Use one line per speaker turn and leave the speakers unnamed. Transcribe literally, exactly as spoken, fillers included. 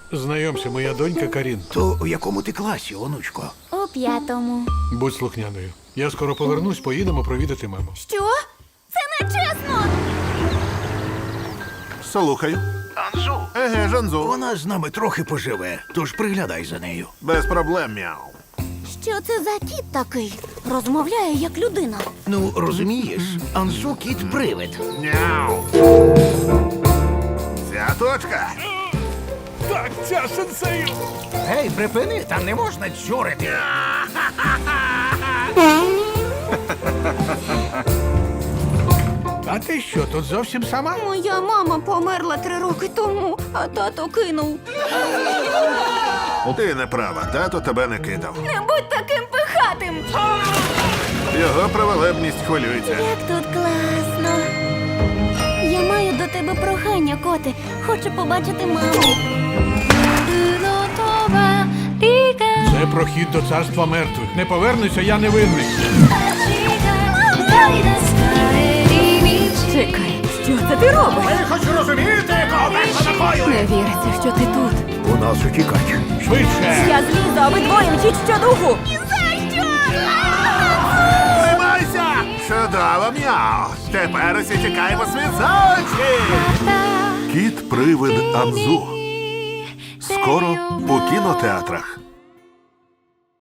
Знайомся, моя донька Карін.
То у якому ти класі, онучко?
У п'ятому.
Будь слухняною. Я скоро повернусь, поїдемо провідати маму.
Що? Це не чесно!
Слухаю.
Анзу.
Еге, Жанзу.
Вона з нами трохи поживе, тож приглядай за нею.
Без проблем, мяу.
Що це за кіт такий? Розмовляє як людина.
Ну, розумієш, Анзу кіт-привид.
Мяу. Ця точка.
Так, ця сенсею!
Гей, припини, там не можна чурити.
А ти що, тут зовсім сама?
Моя мама померла три роки тому, а тато кинув.
Ти не права, тато тебе не кидав.
Не будь таким пихатим!
Його праволебність хвилюється.
Як тут класно. Я маю до тебе прохання, коти. Хочу побачити маму.
Це прохід до царства мертвих. Не повернуся, я не винний.
Чекай, що це ти робиш?
Ви хоч розумієте, кого верху накою?
Не віриться, що ти тут.
У нас утікач.
Швидше!
Я злізу, а ви двоє мчіть щодуху.
Тримайся! Чудово, мяу. Тепер усі тікаємо світ за очі. Кіт-привид Анзу. Скоро у кінотеатрах.